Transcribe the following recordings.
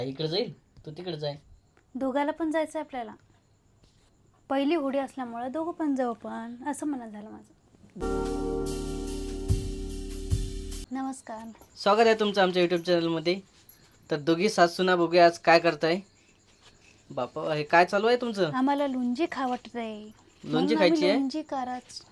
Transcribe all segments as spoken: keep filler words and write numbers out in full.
इकडे जाईल तू तिकडे जाय. दोघाला पण जायचं आपल्याला. पहिली होडी असल्यामुळे दोघं पण जाऊ पण असं म्हणणं झालं माझं. नमस्कार. स्वागत आहे तुमचं आमच्या यूट्यूब चॅनलमध्ये. तर दोघी सासूना बघूया आज काय करताय. बापा हे काय चालू आहे तुमचं. आम्हाला लुंजी खा वाटत आहे. लोणची खायची आहे. लुंजी कराच.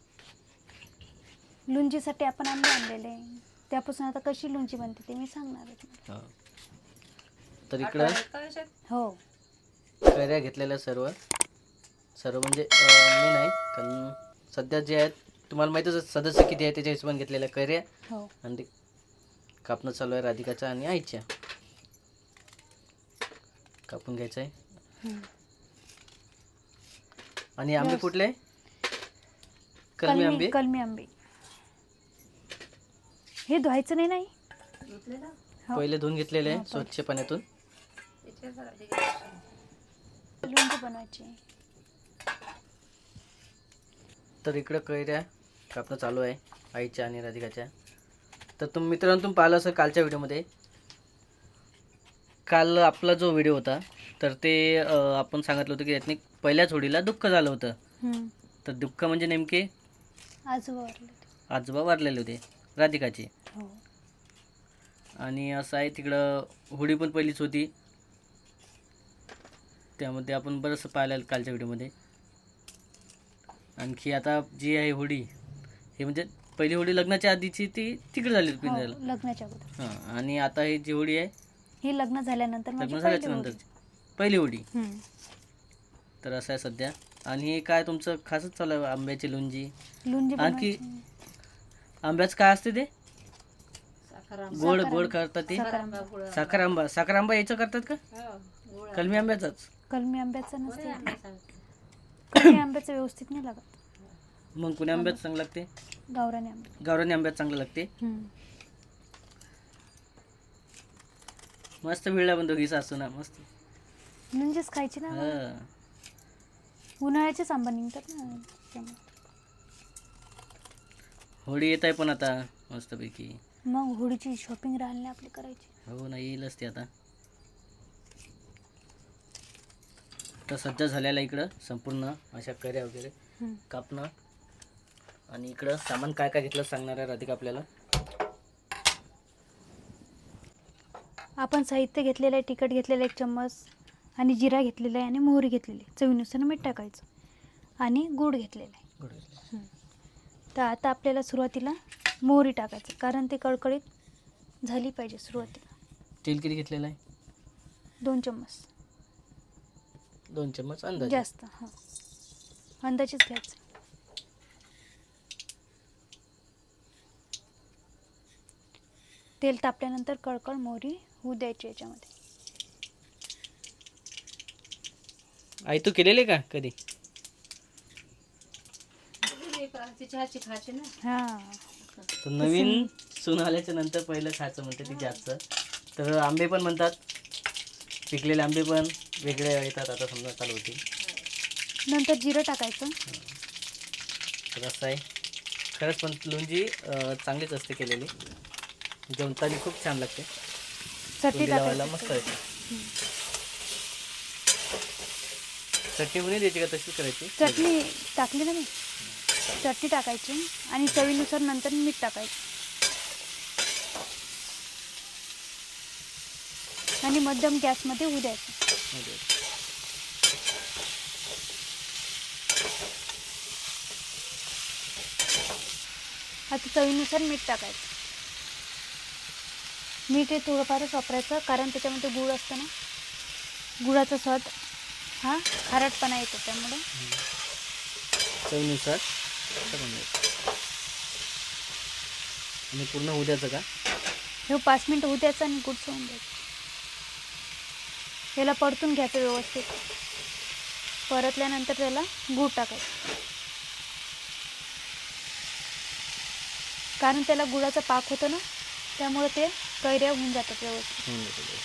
लुंजीसाठी आपण आंबे आणलेले, त्यापासून आता कशी लुंजी बनते ते मी सांगणार आहे. तर इकडं हो कैऱ्या घेतलेल्या सर्व सर्व म्हणजे मी नाही कारण सध्या जे आहेत तुम्हाला माहितीच आहे सदस्य किती आहे त्याच्या हिशोबाने घेतलेल्या कैऱ्या. हो आणि ते कापणं चालू आहे राधिकाच्या आणि आईच्या. कापून घ्यायचं आहे. आणि आंबे कुठले. कलमी आंबे. कलमी आंबे हे धुवायचं नाही नाही पहिले धुवून घेतलेले आहे स्वच्छ पाण्यातून. लुंजी बनवायची. तर इकडं कैऱ्या कापणं चालू आहे आईच्या आणि राधिकाच्या. तर तुम्ही मित्रांनो तुम्ही पाहिलं असेल कालच्या व्हिडिओमध्ये. काल आपला जो व्हिडिओ होता तर ते आपण सांगितलं होतं की यातनी पहिल्याच होडीला दुःख झालं होतं. तर दुःख म्हणजे नेमके आजोबा वारले आजोबा वारलेले होते राधिकाचे. हो आणि असं आहे तिकडं होडी पण पहिलीच होती. त्यामध्ये आपण बरंचसं पाहिलं कालच्या व्हिडिओमध्ये. आणखी आता जी आहे होडी हे म्हणजे पहिली होडी लग्नाच्या आधीची ती तिकडे झाली होती पिंजऱ्याला. लग्नाच्या अगोदर. हां आणि आता ही जी होडी आहे ही लग्न झाल्यानंतर लग्न झाल्याच्या नंतरची पहिली होडी. तर असं आहे सध्या. आणि हे काय तुमचं खासच चालू आहे आंब्याची लुंजी. लुंजी आणखी आंब्याचं काय असते ते गोड गोड करतात ते साखर आंबा. साखर आंबा याचं करतात का कलमी आंब्याचाच. कलमी आंब्याचं नसते. कलमी आंब्याचं व्यवस्थित नाही लागत. मग पुण्या आंब्याचं चांगलं लागते. गावरानी आंबे गावरानी आंब्यात चांगलं लागते. मस्त मिळला पण दोघी सासू ना मस्त. लुंजीच खायची ना. हा उन्हाळ्याचेच आंबा निघतात ना त्यामुळे. होळी येत आहे पण आता मस्तपैकी. मग होळीची शॉपिंग राहिली आपली करायची. हो ना येईलच ते आता. तर सध्या झालेला इकडं संपूर्ण अशा कैऱ्या वगैरे कापणं. आणि इकडं सामान काय काय घेतलं सांगणार आहे राधिका आपल्याला. आपण साहित्य घेतलेलं आहे. तिखट घेतलेलं एक चम्मच आणि जिरा घेतलेला आहे आणि मोहरी घेतलेली आहे. चवीनुसार मीठ टाकायचं आणि गूळ घेतलेला आहे. तर आता आपल्याला सुरुवातीला मोहरी टाकायचं कारण ते कडकडीत झाली पाहिजे सुरुवातीला. तेल किती घेतलेलं आहे. दोन चम्मच. दोन चम्मच अंदाज जास्त. हां अंदाजेच घ्यायचं. तेल तापल्यानंतर कळकळ मोहरी होऊ द्यायची याच्यामध्ये. आई तू केलेले का कधी. हां तर नवीन सून आल्याच्या नंतर पहिलं खायचं म्हणते ती जास्त. तर आंबे पण म्हणतात पिकलेले आंबे पण वेगळे येतात आता समजा चालू होती. नंतर जिरं टाकायचं. तर असं आहे खरंच पण लुंजी चांगलीच असते केलेली. जेवताना खूप छान लागते. चटणी लावायला टाकायची. मस्त येते. चटणी पण द्यायची का तशीच करायची. चटणी टाकली ना मी. चटणी टाकायची आणि चवीनुसार नंतर मीठ टाकायचं आणि मध्यम गॅसमध्ये होऊ द्यायचं. आता चवीनुसार मीठ टाकायचं. मीठ हे थोडंफारच वापरायचं कारण त्याच्यामध्ये गूळ असतं ना. गुळाचा स्वाद हा खारटपणा येतो त्यामुळे चवीनुसार. आणि पूर्ण होऊ द्यायचं का हे पाच मिनिट होऊ द्यायचं आणि गुळ सोडून द्यायचं. याला परतून घ्यायचं व्यवस्थित. परतल्यानंतर त्याला गूळ टाकायचं कारण त्याला गुळाचा पाक होतो ना त्यामुळे ते कैऱ्या होऊन जातात व्यवस्थित.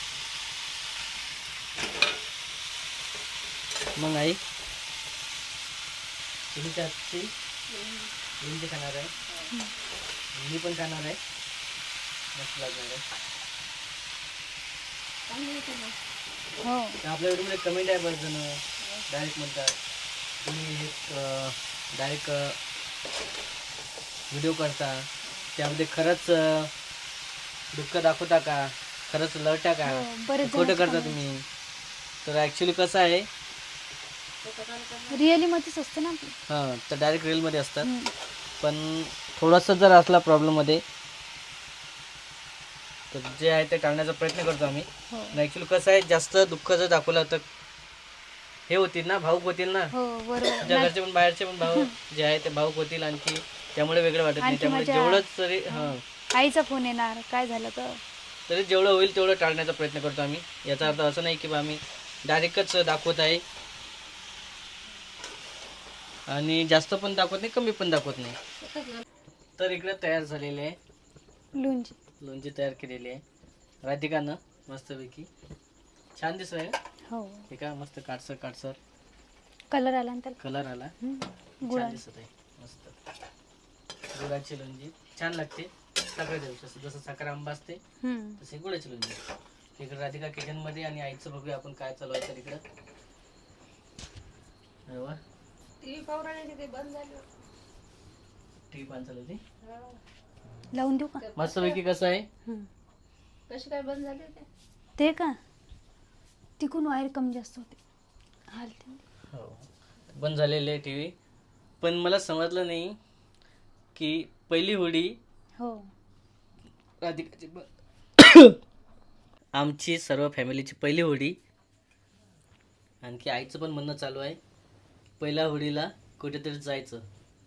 मग आई तुम्ही त्याची लिंबू खाणार आहे. मी पण खाणार आहे. मस्त लागणार आहे. हो तर आपल्या व्हिडिओमध्ये कमेंट आहे बरेच जण डायरेक्ट म्हणतात तुम्ही हे डायरेक्ट व्हिडिओ करता त्यामध्ये खरंच अं, दुःख दाखवता का, खरंच लढता का, हो, बरेच खोटं जणांचे करता तुम्ही. तर ॲक्च्युली कसं आहे, रिअली मध्येच असते ना आपली. हां तर डायरेक्ट रीलमध्ये असतात. हम्म. पण थोडासा जर असला प्रॉब्लेममध्ये तर जे आहे ते टाळण्याचा प्रयत्न करतो आम्ही. हो ॲक्च्युली कसं आहे, जास्त दुःख जर दाखवलं तर हे होतील ना, भाऊक होतील ना. हो बरोबर. तुझ्या घरचे पण बाहेरचे पण भाऊ जे आहे ते भाऊक होतील आणखी, त्यामुळे वेगळं वाटत नाही. आणखी त्यामुळे माझ्या- जेवढंच तरी हां आईचा फोन येणार काय झालं तर. तरी जेवढं होईल तेवढं टाळण्याचा प्रयत्न करतो आम्ही. याचा अर्थ असं नाही की बा आम्ही डायरेक्टच दाखवत आहे आणि जास्त पण दाखवत नाही, कमी पण दाखवत नाही. तर इकडे तयार झालेले आहे, लुंजी. लोणची तयार केलेली आहे राधिकानं मस्तपैकी. छान दिसत आहे. हो हे का मस्त काटसर काटसर कलर आला ना त्याला. कलर आला, हम्म. छान गुळा. दिसत आहे मस्त. गुळाची लोणची छान लागते. साखर जसं जसं साखर आंबा असते हम्म. तसे गुळाची लोणची. इकडे राधिका किचन मध्ये आणि आईचं बघूया आपण काय चालू आहे. तर इकडं अरे वा, टीव्ही पण चालू होती. लावून देऊ का? मस्तपैकी कसं आहे, हम्म. कशी काय बंद झाली ते? ते का तिकून वायर कमी जास्त होते हालते. हो बंद झालेले आहे टी व्ही. पण मला समजलं नाही की पहिली होडी हो राधिकाची ब- आमची सर्व फॅमिलीची पहिली होडी. आणखी आईचं पण म्हणणं चालू आहे पहिल्या होडीला कुठेतरी जायचं.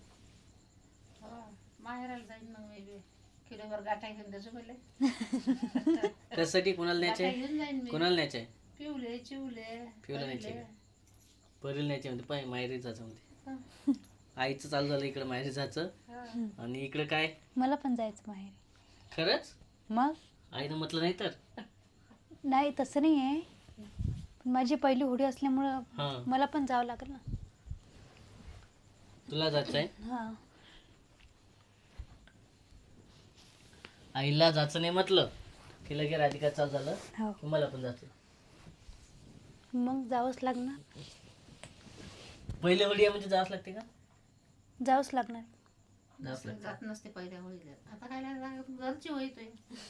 माहेराला जाईन मग मी बी. किलोभर गाठा घेऊन त्याचं पहिले त्यासाठी कोणाला न्यायचे गाठा घेऊन जाईन मी. कोणाला न्यायचे आहे? पिवले चिवले पिवला न्यायचे पहिले. का? परील न्यायचे म्हणते पाय माहेरी जायचं म्हणते. आईचं चालू झालं इकडं माहेरी जायचं. हा. आणि इकडं काय मला पण जायचं माहेर. खरंच मग आईनं म्हटलं नाही तर. नाही तसं नाही आहे पण माझी पहिली होडी असल्यामुळं हां मला पण जावं लागेल ना. तुला जायचं आहे. हां आईला जायचं नाही म्हटलं की लगे राधिका चालू झालं हो की मला पण जायचं. मग जावंच लागणार. पहिली होडी आहे म्हणजे जावंच लागते का? जावंच लागणार. जावंच लागते. जात नसते पहिल्या होळीला. आता काय नाही लागत, घरची होईतोय.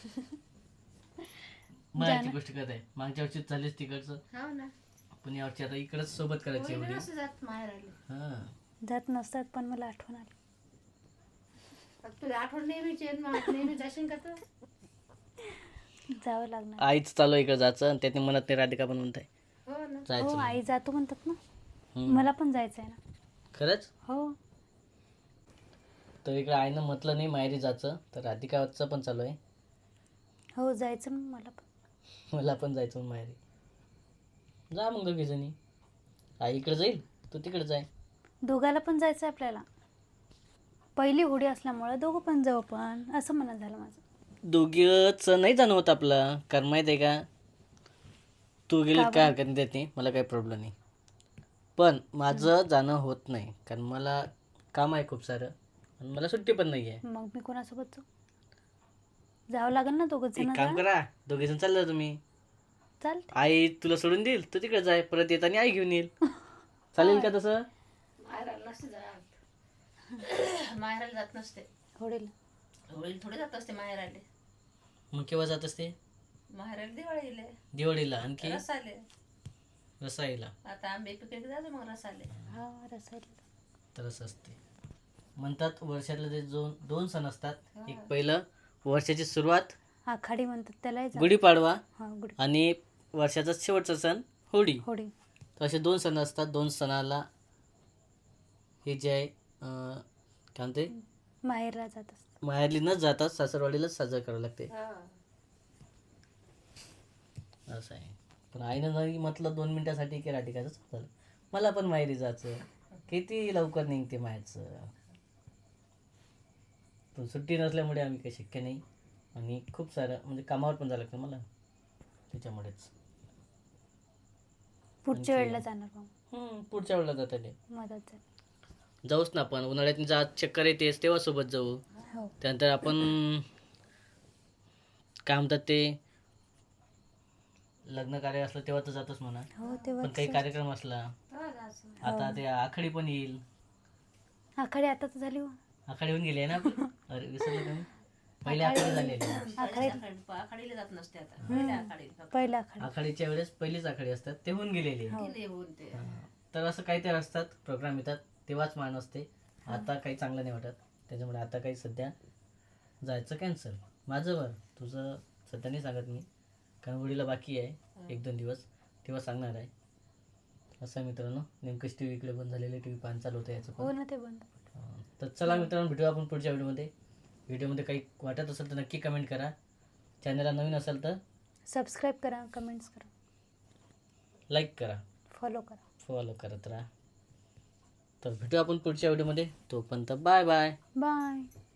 मायाची गोष्ट करत आहे. मागच्या वर्षी चाललीच तिकडचं, हो ना. पण या वर्षी आता इकडंच सोबत करायची होळीला होडी. नसते जात माहेर आले. हां जात नसतात पण मला आठवण आली. तुला आठवण नेहमीची आहे, मग नेहमी जाशील का तर? जावं लागणार. आईच चालू इकडे जायचं आणि त्याने म्हणत नाही. राधिका पण म्हणत आहे हो ना. जायचं हो म्हणून. आई जातो म्हणतात ना. हम्म. मला पण जायचं आहे ना. खरंच. हो तर इकडे आईनं म्हटलं नाही माहेरी जायचं, तर राधिकाचं पण चालू आहे हो जायचं मग मला पण. मला पण जायचं म्हणून माहेरी. जा मग दोघी जणी. आई इकडे जाईल तू तिकडे जाय. दोघाला पण जायचं आहे आपल्याला. पहिली होडी असल्यामुळं दोघं पण जाऊ पण असं म्हणत झालं माझं. दोघीच नाही जाणं होत आपलं, कारण माहीत आहे का तू गेली का काय बरं? हरकत नाही देत नाही, मला काही प्रॉब्लेम नाही. पण माझं जाणं होत नाही कारण मला काम आहे खूप सारं आणि मला सुट्टी पण नाही आहे. मग मी कोणासोबत जाऊ? जावं लागेल ना दोघं एक जण. काम करा, दोघे जण चालला तुम्ही. चालते. आई तुला सोडून देईल, तू तिकडे जाय, परत येताना आई घेऊन येईल. चालेल का तसं? माहेराला नसते जात. माहेराला जात नसते. होडीला. होळीला थोडे जात असते माहेराले. मग केव्हा जात असते? माहेराला दिवाळीले दिवाळीला आणखी रसाले. रसाईला. आता आंबे पिकले जायचं मग रसाले. हा रसायला. तर असं असते. म्हणतात वर्षातले जे दोन दोन सण असतात, हा. एक पहिलं वर्षाची सुरुवात आखाडी म्हणतात त्यालाही जा. गुढीपाडवा हा गुढी. आणि वर्षाचा शेवटचा सण होळी. होडी. तर असे दोन सण असतात. दोन सणाला हे जे आहे अं, काय म्हणते माहेरला जात असतात. माहेरली न जातात सासरवाडीलाच साजरं करावं लागते. हा. असं आहे. पण आईनं नाही म्हटलं दोन मिनिटासाठी की राधिकाचं झालं मला पण माहेरी जायचं. किती लवकर निघते माहेरचं. पण सुट्टी नसल्यामुळे आम्ही काही शक्य नाही आणि खूप सारं म्हणजे कामावर पण जावं लागतं मला त्याच्यामुळेच. पुढच्या आणखी- वेळेला जाणार मग. हम्म, पुढच्या वेळेला जाता येईल. मदत झाली. जाऊच ना आपण उन्हाळ्यात जा चक्कर येतेस तेव्हा सोबत जाऊ. हो त्यानंतर आपण काय म्हणतात ते लग्न कार्य असलं तेव्हा तर जातोच म्हणा, हो तेव्हा पण काही कार्यक्रम असला आता ते आखाडी पण येईल. आखाडी आता तर झाली हो. आखाडी होऊन गेली आहे ना आपली? अरे विसरलं का मी? पहिले आखाडी झालेली आहे. आखाडी आखाडीला जात नसते आता पहिल्या आखाडीला फक्त. पहिला आखाडी आखाडीच्या वेळेस पहिलीच आखाडी असतात ते होऊन गेलेली आहे. गेले होऊन ते हा. तर असं काहीतरी असतात प्रोग्राम येतात तेव्हाच मान असते. आता काही चांगलं नाही वाटत, त्याच्यामुळे आता काही सध्या जायचं कॅन्सल. माझं बरं, तुझं सध्या नाही सांगत मी, कारण होळीला बाकी आहे एक दोन दिवस, तेव्हा सांगणार आहे. असं आहे मित्रांनो, नेमकंच टी व्ही इकडे बंद झालेले, टी व्ही पाहणं चालू होतं याचं हो पण. ना ते बंद. हा. तर चला मित्रांनो, भेटू आपण पुढच्या व्हिडिओमध्ये. व्हिडिओमध्ये काही वाटत असेल तर नक्की कमेंट करा. चॅनलला नवीन असेल तर सबस्क्राईब करा, कमेंट्स करा, लाईक करा, फॉलो करा. फॉलो करत राहा. तर भेटू आपण पुढच्या व्हिडिओमध्ये. तोपर्यंत बाय बाय. बाय.